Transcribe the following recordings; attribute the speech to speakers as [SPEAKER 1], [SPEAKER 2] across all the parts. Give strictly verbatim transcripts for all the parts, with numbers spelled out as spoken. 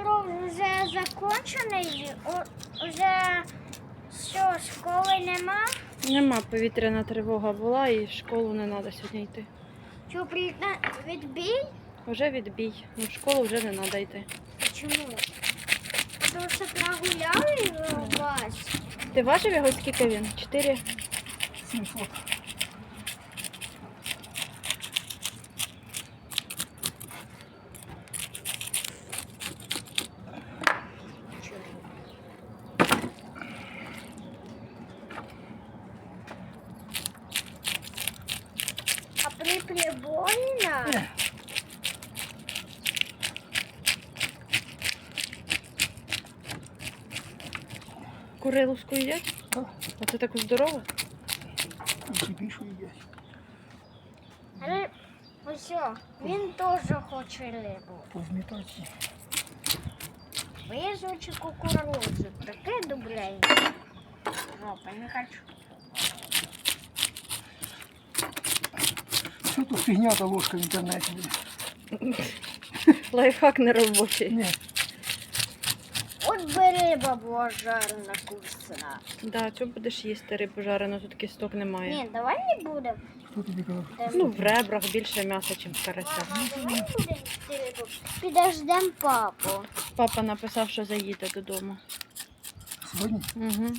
[SPEAKER 1] урок вже закончений, вже що, школи нема?
[SPEAKER 2] Нема, повітряна тривога була і в школу не треба сьогодні йти.
[SPEAKER 1] Що, відбій?
[SPEAKER 2] Вже відбій. Ну, в школу вже не треба йти.
[SPEAKER 1] Чому? Тому що прогуляли вас.
[SPEAKER 2] Ти бачив його, скільки він? Чотири?
[SPEAKER 3] сімсот.
[SPEAKER 1] А при прибольно?
[SPEAKER 2] Куриловську їдять?
[SPEAKER 3] Так.
[SPEAKER 2] А це таку здорову?
[SPEAKER 3] І більше їдять.
[SPEAKER 1] Але ось, він теж хоче рибу.
[SPEAKER 3] Позмітати.
[SPEAKER 1] Вижучи кукурузу. Таке добреньке. Жопа, не хочу.
[SPEAKER 3] Що тут фігня та ложка в інтернеті?
[SPEAKER 2] Лайфхак не робочий.
[SPEAKER 3] Ні.
[SPEAKER 1] От би риба була жарена, вкусна.
[SPEAKER 2] Да, чого будеш їсти рибу жарену, тут кісток немає.
[SPEAKER 1] Ні, давай не будемо.
[SPEAKER 3] Хто тобі казав?
[SPEAKER 2] Ну, в ребрах більше м'яса, ніж в карася.
[SPEAKER 1] Мама, давай не будемо їсти рибу. Підождем папу.
[SPEAKER 2] Папа написав, що заїде додому.
[SPEAKER 3] Сьогодні?
[SPEAKER 2] Угу.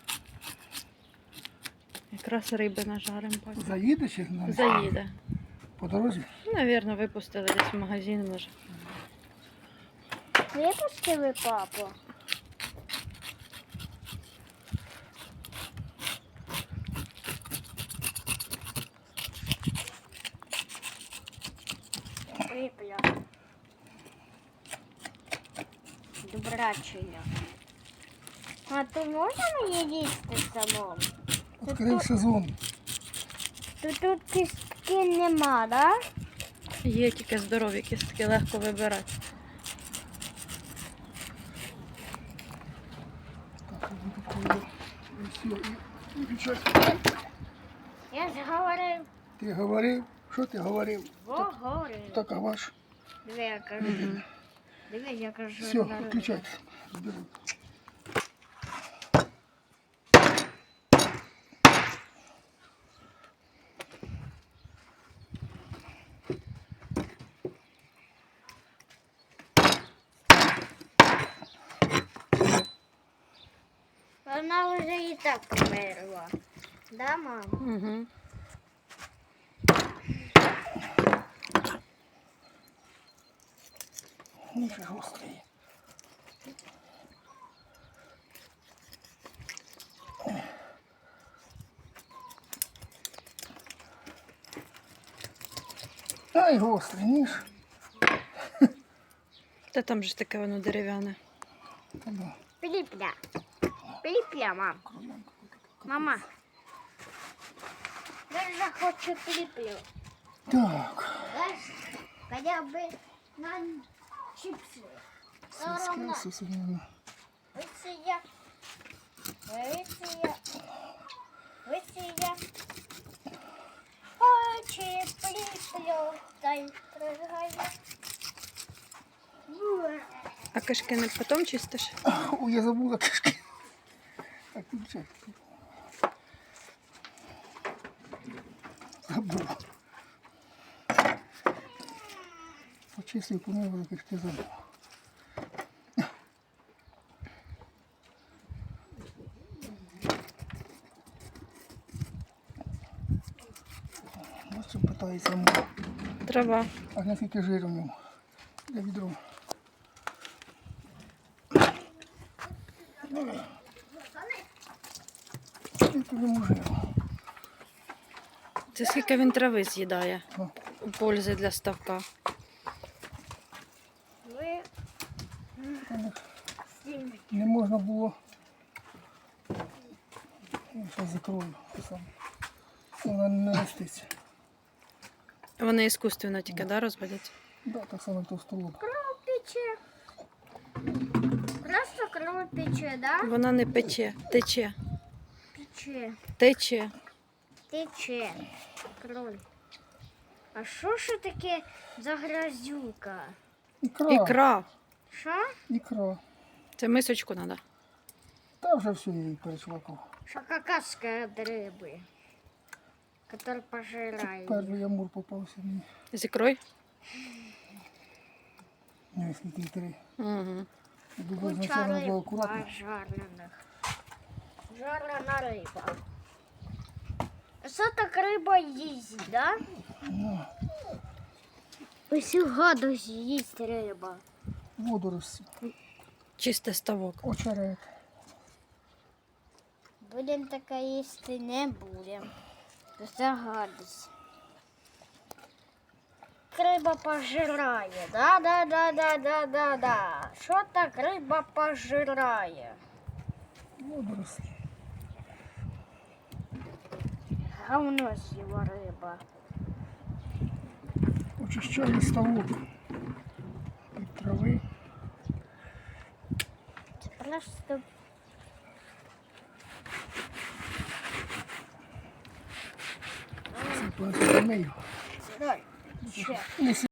[SPEAKER 2] Якраз риби нажарим. папа.
[SPEAKER 3] Заїде чи не?
[SPEAKER 2] Заїде.
[SPEAKER 3] По дорозі?
[SPEAKER 2] Навірно, випустили десь в магазин, може.
[SPEAKER 1] Випустили папу? Рибля. Добрачення. А то можна мені їсти самому?
[SPEAKER 3] Відкрив сезон.
[SPEAKER 1] То тут кістки нема, да?
[SPEAKER 2] Є тільки здорові кістки, легко вибирати.
[SPEAKER 3] Так, я буду коли. І все, і виключай.
[SPEAKER 1] Я ж говорив.
[SPEAKER 3] Ти говорив? Що ти говорив?
[SPEAKER 1] Говорив.
[SPEAKER 3] Так, а ваш?
[SPEAKER 1] Диви, я кажу. Диви, я кажу.
[SPEAKER 3] Все,
[SPEAKER 1] на рибу.
[SPEAKER 3] виключайте. Зберу.
[SPEAKER 1] Вона вже і так померла. Да, мама?
[SPEAKER 2] Угу.
[SPEAKER 3] Ніфіга гострий. Ай, гострий ніж.
[SPEAKER 2] Та там же таке воно дерев'яне.
[SPEAKER 3] Та да.
[SPEAKER 1] Пиліпля. Пиліпля, мам. Мама. Я вже хочу пиліплю.
[SPEAKER 3] Так.
[SPEAKER 1] Знаєш, хоча б на чіпси. Соромно.
[SPEAKER 3] Сільське сусіднє.
[SPEAKER 1] Виці я. Виці я. Виці я. Очі пиліплю. Та й пригає.
[SPEAKER 2] А кишки не потім чистиш?
[SPEAKER 3] Ой, я забула кишки. Так, включай. Забула. Почистив, помив, за кишки забула. Ось чим питається мова.
[SPEAKER 2] Трава.
[SPEAKER 3] А наскільки жиру в ньому? Я відро. Скільки в ньому жиру?
[SPEAKER 2] Це скільки він трави з'їдає.
[SPEAKER 3] О.
[SPEAKER 2] Пользи для ставка.
[SPEAKER 1] Ви
[SPEAKER 3] Не можна було. Зараз закрою. Вона не роститься.
[SPEAKER 2] Вони іскусственно тільки, да, розводять?
[SPEAKER 3] Да, так само товстолоб.
[SPEAKER 1] кров пече. Просто кров пече, да?
[SPEAKER 2] Вона не пече, тече.
[SPEAKER 1] Пече.
[SPEAKER 2] Тече.
[SPEAKER 1] Тече. Кроль. А що ж таке за грязюка?
[SPEAKER 3] Ікра.
[SPEAKER 2] Ікра.
[SPEAKER 1] Що?
[SPEAKER 3] Ікра.
[SPEAKER 2] Це мисочку треба.
[SPEAKER 3] Та вже все я її перечвакав.
[SPEAKER 1] Що какашка від риби, яка пожирає.
[SPEAKER 3] Перший амур попався мені.
[SPEAKER 2] З ікрою?
[SPEAKER 3] Не, скільки три.
[SPEAKER 2] Угу.
[SPEAKER 3] Я думаю,
[SPEAKER 1] Куча
[SPEAKER 3] значально було
[SPEAKER 1] риб
[SPEAKER 3] акуратно.
[SPEAKER 1] жарених. Жарена риба. Що так риба їсть, да?
[SPEAKER 3] Ну,
[SPEAKER 1] Ось гадость їсть риба.
[SPEAKER 3] водорості,
[SPEAKER 2] Чистий ставок.
[SPEAKER 3] очерет.
[SPEAKER 1] Будем таке їсти не будем. Це гадость. Риба пожирає, да, да, да, да, да, да, да. Що так риба пожирає?
[SPEAKER 3] Водорості.
[SPEAKER 1] Говно з'їла риба.
[SPEAKER 3] Очищаю ставок від трави.
[SPEAKER 1] Це просто
[SPEAKER 3] Це просто мию.
[SPEAKER 1] Давай, ще.
[SPEAKER 3] Не